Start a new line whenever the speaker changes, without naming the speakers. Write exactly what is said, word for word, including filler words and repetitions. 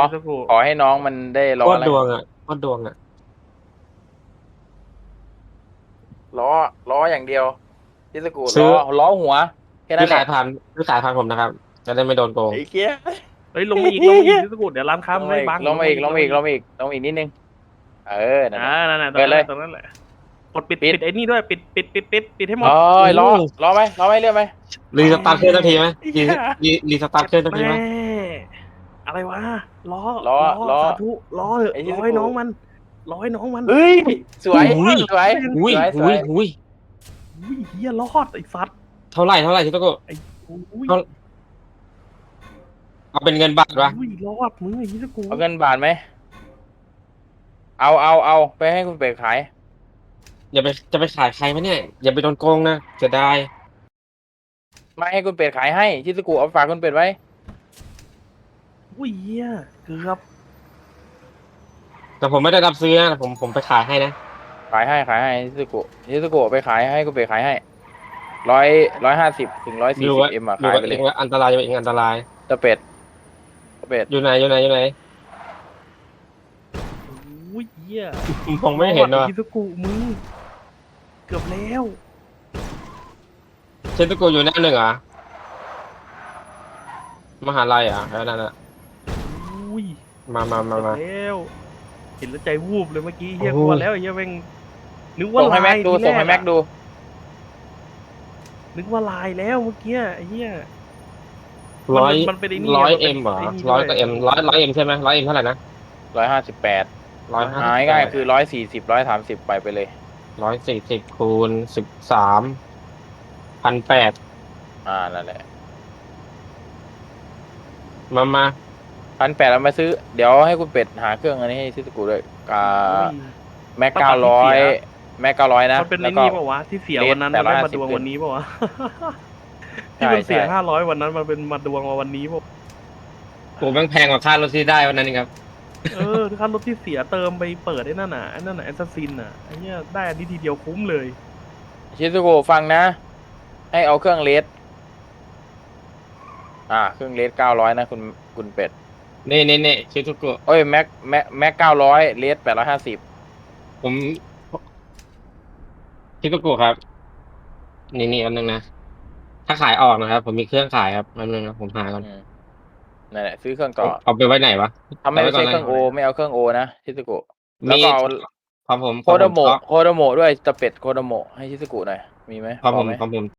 สกุ
ขอให้น้องมันได้ล้
โค
อ
ตร
แล้ว
ดวงอ่ะโคตรดวงอ่ะ
ล้อล้ออย่างเดียวชิสกุล้
ซื้อ
อล้อหัวแค่นั้นแหละ
ซื้อขายผ่านซื้อขายผ่านผมนะครับจะได้ไม่โดนโกง
ไอ้เกี้ย
เฮ้ยลงมาอีกลงมาอีกเทสกุเดี๋ยวร้านค้า
ลง
มันไม่บัง
มาอีกลงมาอีกลงมาอีกลง
ลง
มาอีกลงมาอีกนิดนึงเออนั่
อ่า
นแหละ
นั่นแหละตร
เปิดเลย
งนั้นแหละตรงนั้นแหละกดปิด
ปิด
ปิดไอ้นี่ด้วยปิดปิดปิดปิดปิดให้หม
โอ้
ด
ยล้อล้อไหมล้อไหมเลื่อนไหม
รีสตาร์ทเครื่องทันทีไหมรีรีรีสตาร์ทเครื่องทันที
แม่
ไหม
อะไรวะล้อ
ล้อ
ล้อ
ล้อ
สาธุล้อเถอะ
ไอ้ชิ
ล้อ
สกุ
ให้น้องมันล้อให้น้องมัน
เฮ้ยสวย
อุ้ย
สวย
อุ้ย
สวยสวย
อุ้ยอุ้ย
อุ้ยเฮียรอดไอ้สัตว์
เท่าไหร่เท่าไหร่ชิโตโกะ
ไอ้อุ้ย
เท่าเอาเป็นเงินบาทวะ
อุ้ยรอดมึงไอ้เหี้ยกู
เอาเงินบาทไหมเอาเอาเอาไปให้คุณเป็ดขาย
อย่าไปจะไปขายใครไหมเนี่ยอย่าไปโดนโกงนะจะได้
ไม่ให้คุณเป็ดขายให้ชิสกุเอาฝากคุณเป็ดไว้
อุ้ยเฮียเกือบ
แต่ผมไม่ได้รับซื้อนะผมผมไปขายให้นะ
ขายให้ขายให้ชิสกุชิสกุไปขายให้คุณเป็ดขายให้ร้อยร้อยห้าสิบถึงร้อยสี่
ดู
สิบ
ว่า
เอ็มอะ
ดู
ขาย
ว่า
ไปเล
เอย งว่าอันตรายอยู่าเองอันตราย
ตะเป็ดตะเป็ด
อยู่ไหนอยู่ไหนอยู่ไหน
อุ้ยเฮีย
มองไม่เห็น
รอ
ว่ะ
ดไอ้ฮิซุกุมึงเกือบแล้ว
เชนตุโกะอยู่หน้าหนึ่งเหรอมหาลัยเหรอ่ะแล้วนั่นอ่ะ
อุ้ย
มามามา
เกือบ
มา
แล้วเห็นแล้วใจวูบเลยเมื่อกี้เฮีย
โอ้
ก
โห
ลัวแล้วไอ้เฮียแม่งนึกว่า
ส่งให้
ลา
แม็
ย
กดู
ทีแร
ส่งให้แม็ก
อะ
ดู
นึกว่าลายแล้วเมื่อกี้ไอ้เฮีย
ร้อย
มันเป็นไอ้นี่
ร้อย
มันเป็
เอ็
น
มเหรอ
ไอ้นี่
ร้อย
ด้วย
ก็เอ็มร้อยร้อยเอ็มใช่ไหมร้อยเอ็มเท่าไหร่นะ
ร้อยห้าสิบแปด
ร้อยห้า
หายง่ายคือร้อยสี่สิบร้อยสามสิบไปไปเลย
ร้อยสี่สิบคูณสิบสามพันแปด
อ่านั่นแหละ
มามา
พันแปดเอามาซื้อเดี๋ยวให้คุณเป็ดหาเครื่องอันนี้ให้ชิสกุด้วยอ่า
อุ้ย
แม็ก
ปรับ
เก้าร้อย
ที่เสีย
แม็กเก้าร้อยนะ
มันเป็น
แล้
ไอ้
วก็
นี่ปะวะที่เสียวันนั้น
เล
มัน
ส
ได้มาดวง
แปดร้อยห้าสิบ
วันนี้ปะวะ
ใช่
ที่มันเสีย
ใช่
ห้าร้อยวันนั้นมันเป็นมาดวงมาวันนี้ปะ
โอ้แม่งแพงกว่าค่ารถที่ได้วันนั้นนี่ครับ
เออค่ารถที่เสียเติมไปเปิดไอ้นั่นน่ะไอ้นั่นน่ะแอสซัสซินน่ะไอ้เนี้ยได้อันนี้ทีเดียวคุ้มเลย
ชิสกุฟังนะ ให้เอาเครื่องเลสอ่าเครื่องเลสเก้าร้อยนะคุณคุณเป็ด
เน่เน่เน่ชิทุกโกะ
โอ้ยแม็กแม็กแม็กเก้าร้อยเลสแปดร้อยห้าสิบ
ผมชิทุกโกะครับ นี่นี่อันนึงนะ ถ้าขายออกนะครับ ผมมีเครื่องขายครับอันนึงนะผมหาก่อน
นั่นแหละซื้อเครื่องต่อ
เอาไปไว้ไหนวะ
ถ้าไม่
เอาไว้ก่อ
ใช่
น
เครื่องโอ
เลย
ไม่เอาเครื่องโอนะชิสกุแล้ว
มี
ก็เอา
ของผม
โค
ของ
โด
ผม
โมะ
สต็อก
โคโดโมะด้วยตะเป็ดโคโดโมะให้ชิสกุหน่อยมีไหม
ของ
พ
ผ
อ
ม
ไหม
ของผม